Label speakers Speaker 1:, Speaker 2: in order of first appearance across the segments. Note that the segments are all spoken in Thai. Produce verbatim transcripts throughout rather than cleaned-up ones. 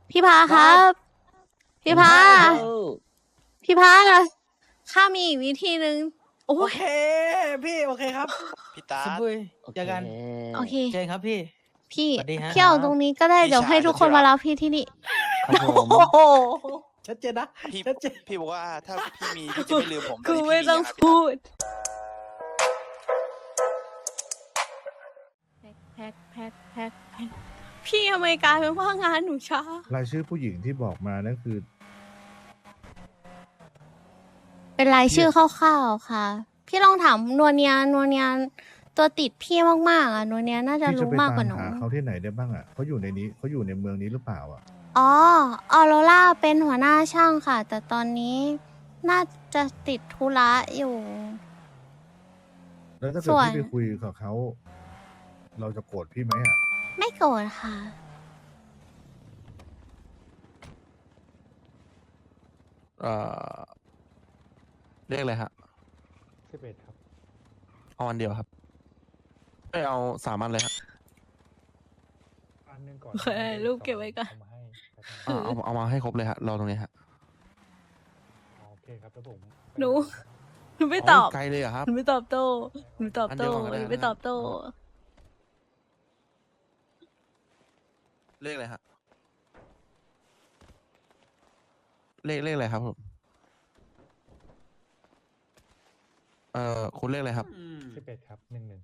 Speaker 1: พี่พาครับ พี่พา พี่พาข้ามีอีกวิธีหนึ่งโอ้
Speaker 2: โอย เค พี่โอเคครับ
Speaker 3: พี่ตา
Speaker 2: สบุย
Speaker 3: โอเค
Speaker 2: เจอกัน
Speaker 1: โอเค
Speaker 2: เจอกันครับพี่
Speaker 1: พี่
Speaker 2: สวัสดีฮะ
Speaker 1: พี่เอาตรงนี้ก็ได้
Speaker 3: พี่
Speaker 1: เดี๋ยว
Speaker 3: ชาย
Speaker 1: ให้ทุกคน
Speaker 3: สุดที่รัก
Speaker 1: มารับพี่ที่นี่
Speaker 3: ครับผม
Speaker 2: โอ้โหชัดเจนนะ
Speaker 3: พี่
Speaker 2: ชัดเจน
Speaker 3: พี่บอกว่าถ้าพี่มีพี่จะไม่ลืมผม
Speaker 1: กู
Speaker 3: ตนนี้
Speaker 1: ไม่
Speaker 3: พี่
Speaker 1: ต้อง
Speaker 3: ยังะ
Speaker 1: พูดแพ็คแพ็คแพ็คแพ็คพี่ทำไมกลายเป็นว่างานหนูช้าร
Speaker 4: ายชื่อผู้หญิงที่บอกมานั่นคือ
Speaker 1: เป็นรายชื่อคร่าวๆค่ะ พี่ลองถามนวเนียนวเนียตัวติดพี่มากๆอ่ะนวเนียน่าจะ
Speaker 4: พี่จะ
Speaker 1: รู้
Speaker 4: ไป
Speaker 1: มาก
Speaker 4: ตาก
Speaker 1: ว่าม หนู
Speaker 4: หาเขาที่ไหนได้บ้างอ่ะเขาอยู่ในนี้เขาอยู่ในเมืองนี้หรือเปล่าอ่ะ
Speaker 1: อ๋อออโรล่าเป็นหัวหน้าช่างค่ะ แต่ตอนนี้น่าจะติดธุระอยู่
Speaker 4: แล้วถ้าเกิ
Speaker 1: ส่
Speaker 4: ด
Speaker 1: วน
Speaker 4: พี่ไปคุยกับเขาเราจะโกรธพี่ไหมอ่ะ
Speaker 1: ไม่โกรธค่ะ
Speaker 5: เอ่อเรียกอะไรฮะ
Speaker 6: สิบเอ็ดครับ
Speaker 5: เอาอันเดียวครับไม่เอาสามอันเลยฮะ
Speaker 6: อันหนึงก่อน
Speaker 1: เฮ้ยรูปเก็บไว้ก่อน
Speaker 6: เอามาให้แป๊บนึง
Speaker 5: อ่าเอาเอามาให้ครบเลยฮะรอตรงนี้ฮะ
Speaker 6: อ๋อโอเคครับแล้วผม
Speaker 1: หนู หนูไม่ตอบ
Speaker 5: ไกลเลยเหรอะครับ
Speaker 1: หนูไม่ตอบโต้หนูตอบ
Speaker 5: อันเดี
Speaker 1: โต้
Speaker 5: ยวก่อนก็ได้
Speaker 1: หนูไม่ตอบโต้
Speaker 5: อ๋อ เลขอะไรฮะเลขเลขอะไรครับผมเอ่อคุณเลขอะไรครับ
Speaker 6: สิบเอ็ดครับหนึ่งหนึ่ง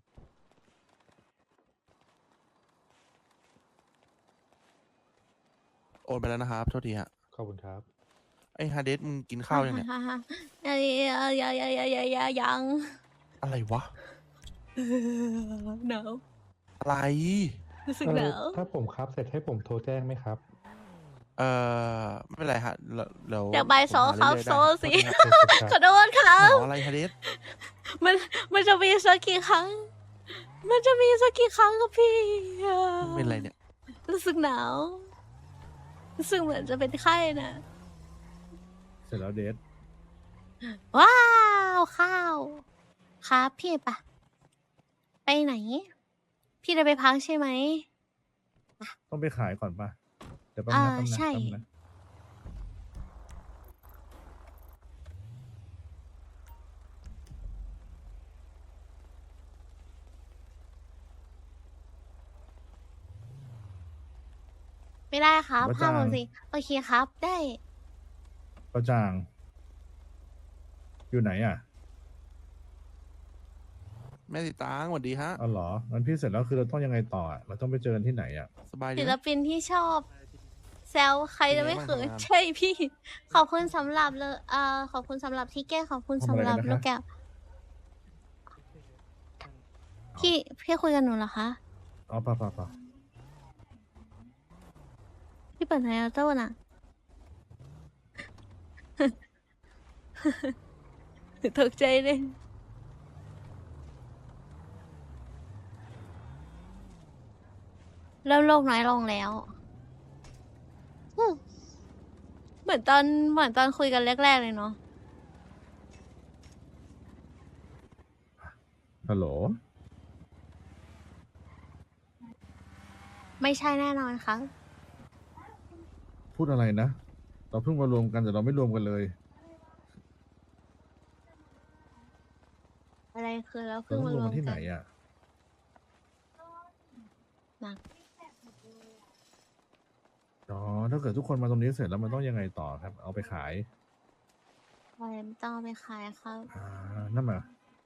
Speaker 5: โอนไปแล้วนะครับโทษทีฮะ
Speaker 6: ขอบคุณครับ
Speaker 5: ไอ้ฮาเดสมึงกินข้าวยังเนี่ย
Speaker 1: ฮ่าฮ่าฮ่าอย่าอย่าอย่าอย่าอย่าอย่ายัง
Speaker 5: อะไรวะ
Speaker 1: หนาว
Speaker 5: อะไร
Speaker 1: รู้สึกห
Speaker 6: เอ่
Speaker 1: นา
Speaker 6: อ
Speaker 1: ว
Speaker 6: ถ้าผมครับเสร็จให้ผมโทรแจ้งไหมครับ
Speaker 5: เอ่อไม่เป็นไรฮะเดี๋ยวเดี๋ยว
Speaker 1: เดี๋ยวใบายโซ
Speaker 5: ผมหา
Speaker 1: ครับ
Speaker 5: เรื่อยๆได้
Speaker 1: โซสิ
Speaker 5: โทษทีครับ
Speaker 1: ขอโทษครั
Speaker 5: ห
Speaker 1: บ
Speaker 5: นาวอะไรฮาเดส
Speaker 1: มันมันจะมีสักกี่ครั้ง มันจะมีสักกี่ครั้งครับพี่
Speaker 5: เป็นไรเนี่ย
Speaker 1: รู้สึกหนาวรู้สึกเหมือนจะเป็นไข้น่ะ
Speaker 4: เสร็จแล้วเดท
Speaker 1: ว้าวข้าวครับพี่ปะไปไหน พี่จะไปพักใช่ไหม
Speaker 4: ต้องไปขายก่อนป่ะเดี๋ยวแป๊บ
Speaker 1: อ่า
Speaker 4: นะแป๊บนะ
Speaker 1: ใช่
Speaker 4: แป๊บนะ
Speaker 1: ไม่ได้ครับห้าโมงสิโอเคครับ ได้
Speaker 4: ประจาง อยู่ไหนอ่ะ
Speaker 5: แม่ติตางสวัสดีฮะ
Speaker 4: อ๋อเหรองั้นพี่เสร็จแล้วคือเราต้องยังไงต่ออะเราต้องไปเจอกันที่ไหนอ่ะ
Speaker 5: สบายดี
Speaker 1: ศิ
Speaker 5: ไห
Speaker 1: ล
Speaker 5: ม
Speaker 1: ปินที่ชอบ แซวใครจะไม่เขิน
Speaker 5: เป็นไงบ้างทำงาน
Speaker 1: ใช่พี่ ขอบคุณสำหรับเลยเอ่อขอบคุณสำหรับที่แก้ขอบคุณ
Speaker 4: ทำอะไร
Speaker 1: สำหรับ
Speaker 4: กันนะคะ
Speaker 1: ลูกแก้วพี่พี่คุยกับหนูเหรอคะ
Speaker 4: อ๋อป่ะป่ะป่ะ
Speaker 1: พี่เปิดไฮออโต้น่ะ ตกใจเลยเริ่มโลกน้อยลงแล้วอืมเหมือนตอนเหมือนตอนคุยกันแรกๆเลยเนาะ
Speaker 4: ฮัลโหล
Speaker 1: ไม่ใช่แน่นอนครับ
Speaker 4: พูดอะไรนะ เราเพิ่งมารวมกันแต่เราไม่รวมกันเลย
Speaker 1: อะไรคือเรา
Speaker 4: เรา
Speaker 1: เพิ่ง
Speaker 4: ต้อง
Speaker 1: มาร
Speaker 4: วม
Speaker 1: วม
Speaker 4: กันที่ไห
Speaker 1: กัน น
Speaker 4: อ่ะ
Speaker 1: นะ
Speaker 4: อ๋อถ้าเกิดทุกคนมาตรงนี้เสร็จแล้วมันต้องยังไงต่อครับ เอาไปขาย
Speaker 1: อะไรไม่ต้องเอาไปขายครับ
Speaker 4: อ่านั่นมา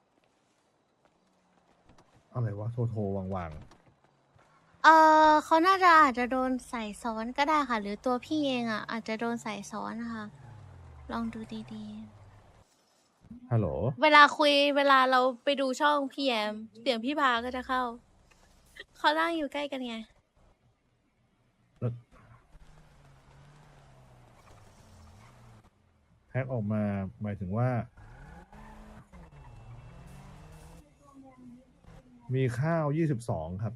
Speaker 4: อะไรวะ โทรโทรวางวาง
Speaker 1: เออเขาน่าจะอาจจะโดนใส่ซ้อนก็ได้ค่ะ หรือตัวพี่เองอ่ะ อาจจะโดนใส่ซ้อนนะคะ ลองดูดี
Speaker 4: ฮัลโหล
Speaker 1: ๆ เวลาคุยเวลาเราไปดูช่องพี่แอมเสียงพี่พาก็จะเข้า เขานั่งอยู่ใกล้กันไง
Speaker 4: แพ็กออกมาหมายถึงว่า มีข้าวยี่สิบสองครับ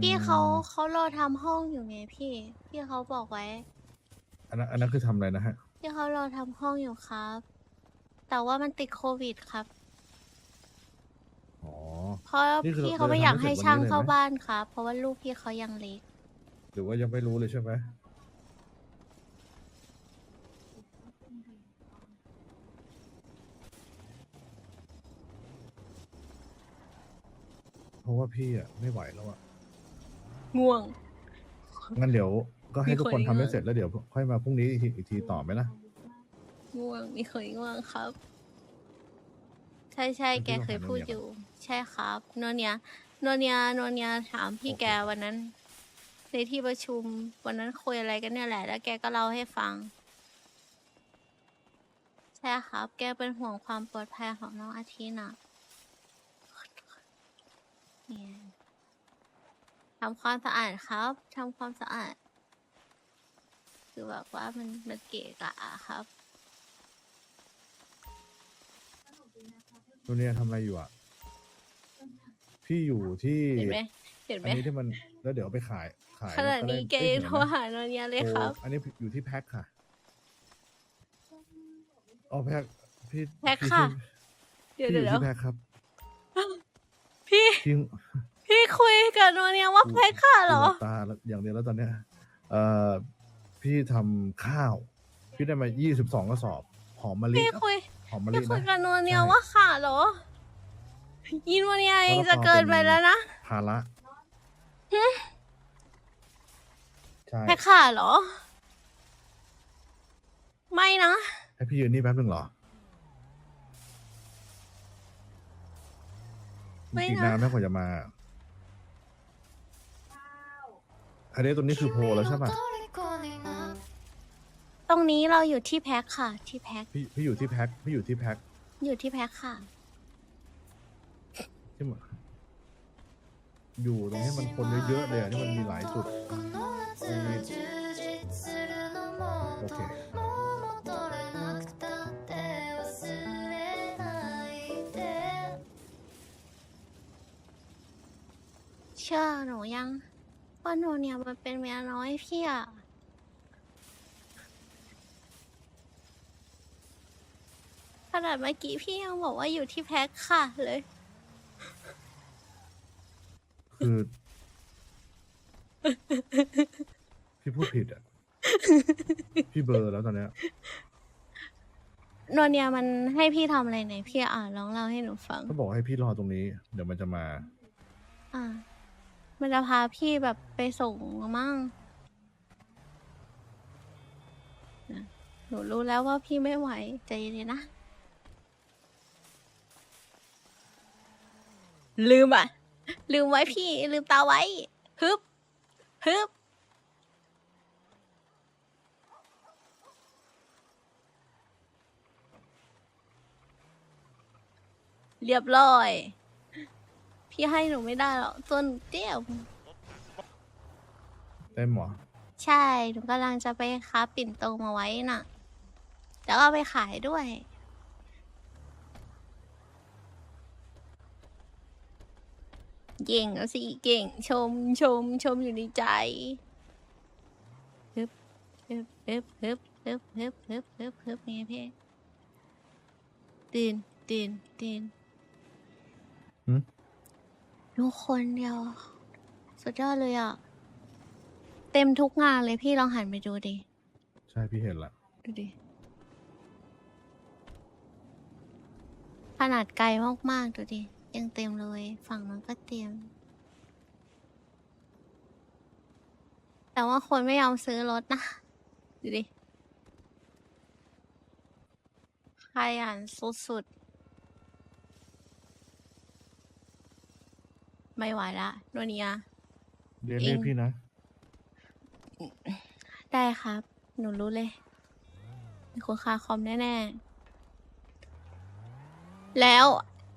Speaker 1: พี่เขาเขารอทำห้องอยู่ไงพี่ พี่เขาบอกไว้
Speaker 4: อันนั้นอันนั้นคือทำอะไรนะฮะ
Speaker 1: พี่เขารอทำห้องอยู่ครับ แต่ว่ามันติดโควิดครับ
Speaker 4: อ๋อ
Speaker 1: เพราะ
Speaker 4: นี่คือ
Speaker 1: พี่เขา
Speaker 4: เรา
Speaker 1: ไม่
Speaker 4: จะ
Speaker 1: อยาก
Speaker 4: ทำให้
Speaker 1: ให้
Speaker 4: เสร็จ
Speaker 1: ช่าง
Speaker 4: วันนี้เลย
Speaker 1: เข้า
Speaker 4: ไหม
Speaker 1: บ้านครับ เพราะว่าลูกพี่เขายังเล็ก
Speaker 4: หรือว่ายังไม่รู้เลยใช่ไหมเพราะว่าพี่อ่ะไม่ไหวแล้วอ่ะ
Speaker 1: ง่วง
Speaker 4: งั้นเดี๋ยวก็ให้
Speaker 1: มี
Speaker 4: ทุกคน
Speaker 1: คน
Speaker 4: ทำให้
Speaker 1: ง่วง
Speaker 4: เสร็จแล้วเดี๋ยวค่อยมาพรุ่งนี้อีกทีอีกทีต่อไหมล่ะ
Speaker 1: ง่วงมีเคยง่วงครับ ใช่ใช่
Speaker 4: แล้ว
Speaker 1: แก
Speaker 4: พี่
Speaker 1: เคย
Speaker 4: ก็หา
Speaker 1: พูด
Speaker 4: โนเนีย
Speaker 1: อยู่ ใช่ครับโนเนียโนเนียโนเนียถามพี่
Speaker 4: โอเค
Speaker 1: แกวันนั้น ในที่ประชุมวันนั้นคุยอะไรกันเนี่ยแหละ แล้วแกก็เล่าให้ฟัง ใช่ครับ แกเป็นห่วงความปลอดภัยของน้องอาทิตย์น่ะเนี่ยทำความสะอาดครับทำความสะอาด คือแบบว่ามันมันเกะกะอะครับ
Speaker 4: ตัวเนี้ยทำอะไรอยู่อ่ะ พี่อยู่ที่
Speaker 1: เห็นไหมเห็นไหม
Speaker 4: อันนี้ที่มันแล้วเดี๋ยวเอาไปขายขาย
Speaker 1: ขนาด
Speaker 4: แล้ว
Speaker 1: นี้แก
Speaker 4: ได้
Speaker 1: ยัง
Speaker 4: ได้
Speaker 1: โท
Speaker 4: เห็
Speaker 1: ร
Speaker 4: นไหม
Speaker 1: หาโนเนียเลยครับ
Speaker 4: โอ้อันนี้อยู่ที่แพ็คค่ะอ๋อแพ็คพี่
Speaker 1: แพ็ค
Speaker 4: พี่
Speaker 1: ค่ะ
Speaker 4: ที่
Speaker 1: เดี๋ยว
Speaker 4: พี่อ
Speaker 1: เดี๋ยว
Speaker 4: ยู่ที่แพ็คครับ
Speaker 1: พี่
Speaker 4: จริง
Speaker 1: พี่คุยกับโนเนียว่าแพ็คค่ะเหรอ
Speaker 4: กูหลับตาแล้วอย่างเดียวแล้วตอนเนี้ยเอ่อพี่ทำข้าว พี่ได้มายี่สิบสองกระสอบ หอมมะลิ
Speaker 1: พี่คุย
Speaker 4: หอมมะ
Speaker 1: พี่
Speaker 4: ลิ
Speaker 1: คุย
Speaker 4: นะ
Speaker 1: กับโนเนีย
Speaker 4: ใช่
Speaker 1: ว่าค่ะเหรอยินโนเนียเองจะเกินไปแล้วนะ
Speaker 4: ภาระใช่
Speaker 1: แพ็คค่ะเหรอ ไม่นะ
Speaker 4: ให้พี่ยืนนี่แป๊บนึงเหรอ
Speaker 1: ไม่
Speaker 4: อีก
Speaker 1: นะ
Speaker 4: นานไหมกว่าจะมาอันนี้ตัวนี้คือโพลแล้วใช่ป่ะ
Speaker 1: ตรงนี้เราอยู่ที่แพ็คค่ะ ที่แพ็ค
Speaker 4: พี่พี่อยู่ที่แพ็คพี่อยู่ที่แพ็ค
Speaker 1: อยู่ที่แพ็คค่ะ
Speaker 4: ที่มันอยู่ตรงนี้มันคนเยอะๆเลยอ่ะที่มันมีหลายจุดมีโอเค
Speaker 1: เชื่อหนูยังว่าโนเนียมันเป็นเมียน้อยพี่อะขนาดเมื่อกี้พี่ยังบอกว่าอยู่ที่แพ็คค่ะเลย
Speaker 4: คือ พี่พูดผิดอ่ะ พี่เบลอร์แล้วตอนเนี้ย
Speaker 1: โนเนียมันให้พี่ทำอะไรไหนพี่อ่านลองเล่าให้หนูฟัง
Speaker 4: ก็บอกให้พี่รอตรงนี้ เดี๋ยวมันจะมา
Speaker 1: อ่า มันจะพาพี่แบบไปส่งมั่งนะหนูรู้แล้วว่าพี่ไม่ไหวใจเย็นๆนะ ลืมอ่ะ ลืมไว้พี่ ลืมตาไว้ ฮึบ ฮึบ เรียบร้อย พี่ให้หนูไม่ได้หรอกตัวหนูเตี้ยว
Speaker 4: เต็มเหรอ
Speaker 1: ใช่ หนูกำลังจะไปค้าปิ่นโตมาไว้น่ะ แล้วเอาไปขายด้วย เก่งแล้วสิ เก่ง ชม ชม ชมอยู่ในใจฮึบฮึบฮึบฮึบฮึบฮึบฮึบฮึบฮึบไงพี่ตื่นตื่นตื่น
Speaker 4: หืม
Speaker 1: ดูคนเดียว สุดยอดเลยอ่ะ เต็มทุกงานเลยพี่ลองหันไปดูดิ
Speaker 4: ใช่พี่เห็นละ
Speaker 1: ดูดิ ขนาดไกลมากๆดูดิ ยังเต็มเลย ฝั่งนั้นก็เต็ม แต่ว่าคนไม่ยอมซื้อรถนะ ดูดิขยันสุดๆ ไม่ไหวละโนเนีย
Speaker 4: เรียนเรียก
Speaker 1: เอง
Speaker 4: พี่นะ
Speaker 1: ได้ครับ หนูรู้เลย มีคนคาคอมแน่ ๆ แล้ว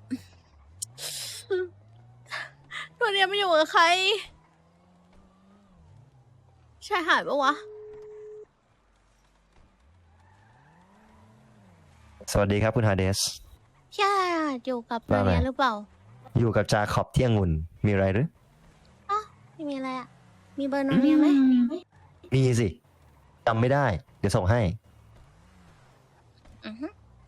Speaker 1: โนเนียไม่อยู่กับใคร ชายหาดปะวะ
Speaker 7: สวัสดีครับคุณฮาเดส
Speaker 1: ชายหาดอยู่กับโน
Speaker 7: ว่าไง
Speaker 1: เนียหรือเปล่า
Speaker 7: อยู่กับจาขอบเที่ยงุ่นมีอะไรหรือ
Speaker 1: อ้าวมีมีอะไรอ่ะ มีเบอร์โนเนียไหม
Speaker 7: มีสิจำไม่ได้ เดี๋ยวส่งให้
Speaker 1: อือฮึ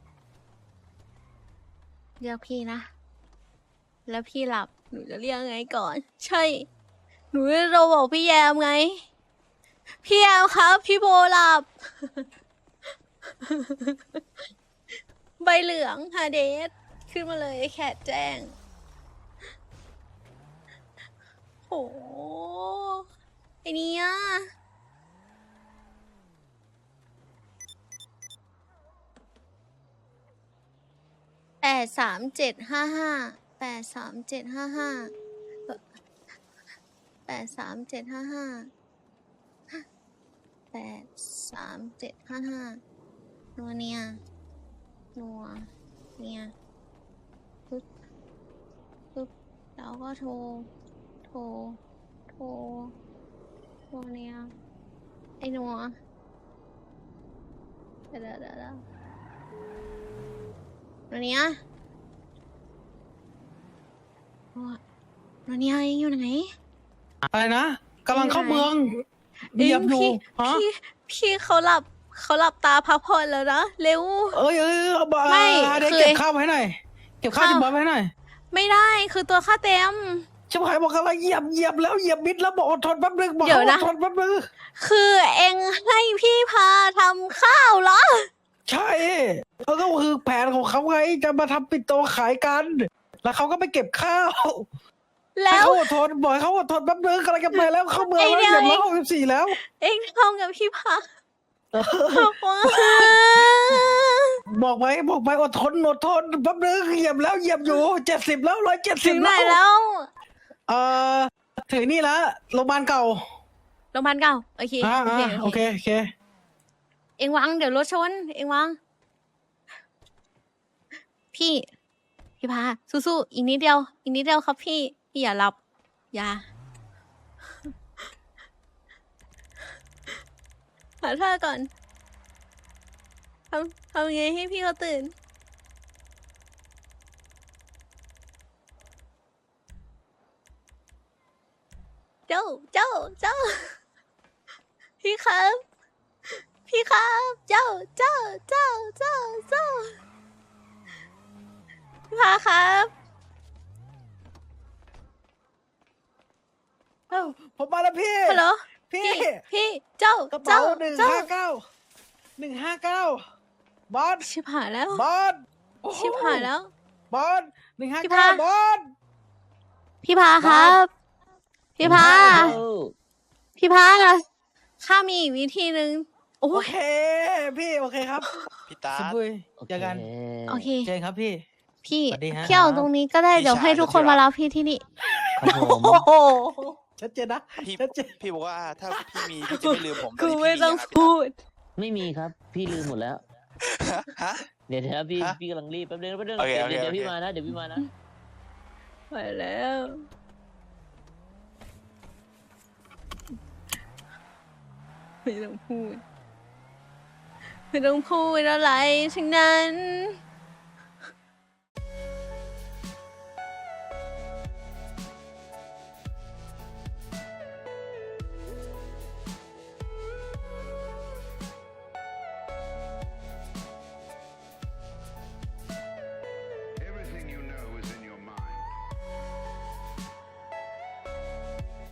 Speaker 1: เรียกพี่นะ แล้วพี่หลับ หนูจะเรียกไงก่อน ใช่ หนูจะโทรบอกพี่แยมไง พี่แยมครับ พี่โบหลับ ใบเหลืองฮาเดส ขึ้นมาเลยแคทแจ้ง โห ไอเนี้ยแปดสามเจ็ดห้าห้าแปดสามเจ็ดห้าห้าแปดสามเจ็ดห้าห้าแปดสามเจ็ดห้าห้านัวเนียนัวเนียปึ๊บปึ๊บแล้วก็โทร โทร โทรนัวเนียไอ้นัวเดี๋ยวเดี๋ยวเดี๋ยวเดี๋ยวนัวเนียนัวนัวเนียเองอยู่ไหน
Speaker 2: อะไรนะกำลังเข้าเมือง
Speaker 1: เอ้
Speaker 2: เห
Speaker 1: ย
Speaker 2: ยียบอยู่
Speaker 1: พี่
Speaker 2: ฮะ
Speaker 1: พี่พี่เขาหลับเขาหลับตาพักผ่อนแล้วนะ เร็ว
Speaker 2: เอ้ยเอ้ยเอามา
Speaker 1: ไม่
Speaker 2: เดี๋ยว
Speaker 1: คือ
Speaker 2: เก็บข้าวไว้ให้หน่อย เก็บข้าว
Speaker 1: ข้าว
Speaker 2: ที่บอสไว้ให้หน่อย
Speaker 1: ไม่ได้คือตัวค่าเต็ม
Speaker 2: ชิบหายบอกอะไรเหยียบเหยียบแล้วเหยียบมิดแล้วบอกอดทนแป๊บนึงบอก
Speaker 1: เดี๋ยว
Speaker 2: เขาอ
Speaker 1: นะ
Speaker 2: ดทนแป๊บนึง
Speaker 1: คือเองให้พี่พาทำข้าวเหรอ
Speaker 2: ใช่เขาก็คือแผนของเขาไงจะมาทำปิดโตขายกัน แล้วเขาก็ไปเก็บข้าว
Speaker 1: แล้
Speaker 2: ให้
Speaker 1: ว
Speaker 2: เขาอดทนบอกให้เขาอดทนแป๊บนึงกำลังจะไปแล้วเข้าเมือง
Speaker 1: ไอ้
Speaker 2: แล้ว
Speaker 1: เดี๋
Speaker 2: เห
Speaker 1: ยว
Speaker 2: ยียบร้อยหกสิบสี่แล้ว
Speaker 1: เองทำกับพี่พาว้า
Speaker 2: บอกไว้บอกไว้อดทนอดทนแป๊บนึงเหยียบแล้วเหยียบอยู่เจ็ดสิบแล้วร้อยเจ็ดสิ
Speaker 1: ถึ
Speaker 2: บ
Speaker 1: งไหน
Speaker 2: แล้ว
Speaker 1: แล้ว
Speaker 2: เอ่อถึงนี่ละโรงพยาบาลเก่า
Speaker 1: โรงพยาบาลเก่าโอเค
Speaker 2: อ่า
Speaker 1: โอเค
Speaker 2: อ่าโอ
Speaker 1: โอ
Speaker 2: เค
Speaker 1: เค
Speaker 2: โอเค
Speaker 1: เองวางเดี๋ยวรถชน เองวาง พี่ พี่พาสู้ๆอีกนิดเดียว อีกนิดเดียวครับพี่ พี่อย่าหลับ อย่า หาท่าก่อนทำทำยังไงให้พี่เขาตื่น เจ้า เจ้า เจ้า พี่ครับ พี่ครับ เจ้า เจ้า เจ้า เจ้า เจ้า พี่พาครับ
Speaker 2: เอ้าผมมาแล้วพี่
Speaker 1: ฮัลโหล
Speaker 2: พี่
Speaker 1: พี่ พี่ เจ้า
Speaker 2: กระ
Speaker 1: เจ้า
Speaker 2: เป๋าหนึ่ง
Speaker 1: เจ้า
Speaker 2: ห้าเก้าหนึ่งห้าเก้าบอส
Speaker 1: ชิบหายแล้ว
Speaker 2: บอสโอ้โ
Speaker 1: ชิบหายแล้ว
Speaker 2: บอสหนึ่งห้า
Speaker 1: พี่
Speaker 2: เก้า
Speaker 1: พา
Speaker 2: บอส
Speaker 1: พี่พาครับ พี่พา พี่พาข้ามีอีกวิธีหนึ่งโอ้
Speaker 2: โอย เค พี่โอเคครับ
Speaker 3: พี่ตา
Speaker 2: สบุยเจอกัน
Speaker 1: โอเค
Speaker 2: เจอกันครับพี่
Speaker 1: พี่
Speaker 2: สวัสดีฮะ
Speaker 1: พี่เอาตรงนี้ก็ได้
Speaker 3: พี่
Speaker 1: เดี๋ยวให้
Speaker 3: ชาย
Speaker 1: ทุกคน
Speaker 3: ที่รัก
Speaker 1: มารับพี่ที่นี่
Speaker 7: ครับผม
Speaker 2: โอ้โหชัดเจนนะ
Speaker 3: พี่
Speaker 2: ชัดเจน
Speaker 3: พี่บอกว่าถ้าพี่มีพี่จะไม่ลืมผม
Speaker 1: กู
Speaker 3: ตนนี้
Speaker 1: ไม่
Speaker 3: พี่
Speaker 1: ต้อง
Speaker 3: ยังะ
Speaker 1: พูด
Speaker 8: ไม่มีครับ พี่ลืมหมดแล้ว
Speaker 3: ฮะ
Speaker 8: เดี๋ยวนะพี่
Speaker 3: ฮะ
Speaker 8: พี่กำลังรีบแป๊บนึงแป๊บนึง
Speaker 3: โอเค
Speaker 8: เดี๋ยว
Speaker 3: โอเค
Speaker 8: เดี๋ยวพี่
Speaker 3: โอเค
Speaker 8: มานะเดี๋ยวพี่มานะ
Speaker 1: ไปแล้ว ไม่ต้องพูด ไม่ต้องพูดอะไรทั้งนั้น